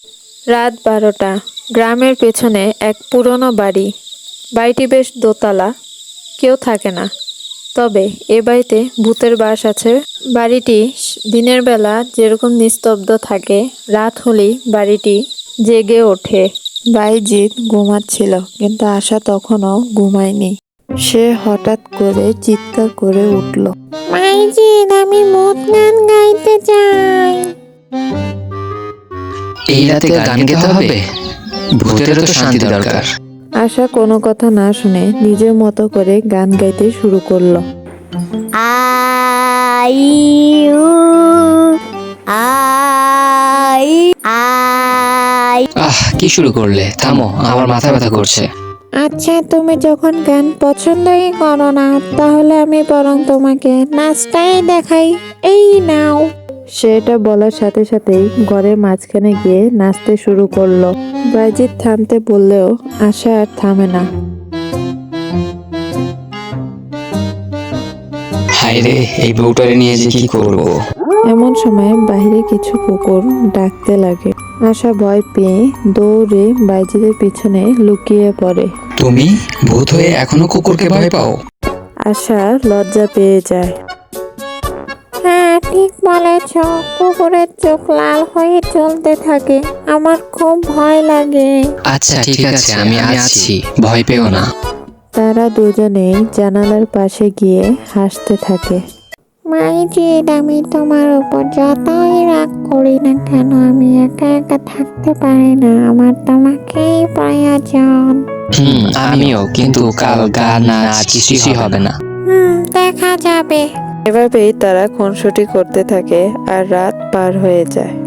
রাত 12টা। গ্রামের পেছনে এক পুরনো বাড়ি। বাড়িটি বেশ দোতলা। কেউ থাকে না, তবে এ বাড়িতে ভূতের বাস আছে। বাড়িটি দিনের বেলা যেরকম নিস্তব্ধ থাকে, রাত হলেই বাড়িটি জেগে ওঠে। বাইজিৎ ঘুমাচ্ছিল, কিন্তু আশা তখনও ঘুমায়নি। সে হঠাৎ করে চিৎকার করে উঠল, বাইজিৎ, আমি ভূত গান গাইতে চাই। এই রাতে গান গাইতে হবে? ভূতেরও তো শান্তি দরকার। আশা কোনো কথা না শুনে নিজের মতো করে গান গাইতে শুরু করলো। আই উ আই আই। কি শুরু করলে? থামো, আমার মাথা ব্যথা করছে। আচ্ছা, তুমি যখন গান পছন্দই করো না, তাহলে আমি বরং তোমাকে নাচটাই দেখাই। এই নাও। সেটা বলার সাথে সাথেই ঘরের মাঝখানে গিয়ে নাচতে শুরু করলো। বাইজিৎ থামতে বললেও আশা আর থামে না। হায় রে, এই বউটারে নিয়ে যে কি করব। এমন সময় বাইরে কিছু কুকুর ডাকতে লাগে। আশা ভয় পেয়ে দৌড়ে বাইজিদের পিছনে লুকিয়ে পড়ে। তুমি ভূত হয়ে এখনো কুকুরকে ভয় পাও? আশা লজ্জা পেয়ে যায়। হ্যাঁ, ঠিক বলেছ। কুকুরের চোখ লাল হয়ে চলতে থাকে, আমার খুব ভয় লাগে। আচ্ছা ঠিক আছে, আমি আছি, ভয় পেও না। তারা দুজনেই জানালার পাশে গিয়ে হাসতে থাকে। মাইজিৎ, আমি তোমার উপর যতই রাগ করি না কেন, আমি একা একা থাকতে পারি না, আমার তোমাকেই প্রয়োজন। আমিও, কিন্তু কাল গান নাচ কিছুই হবে না। দেখা যাবে। এভাবেই তারা খুনসুটি করতে থাকে আর রাত পার হয়ে যায়।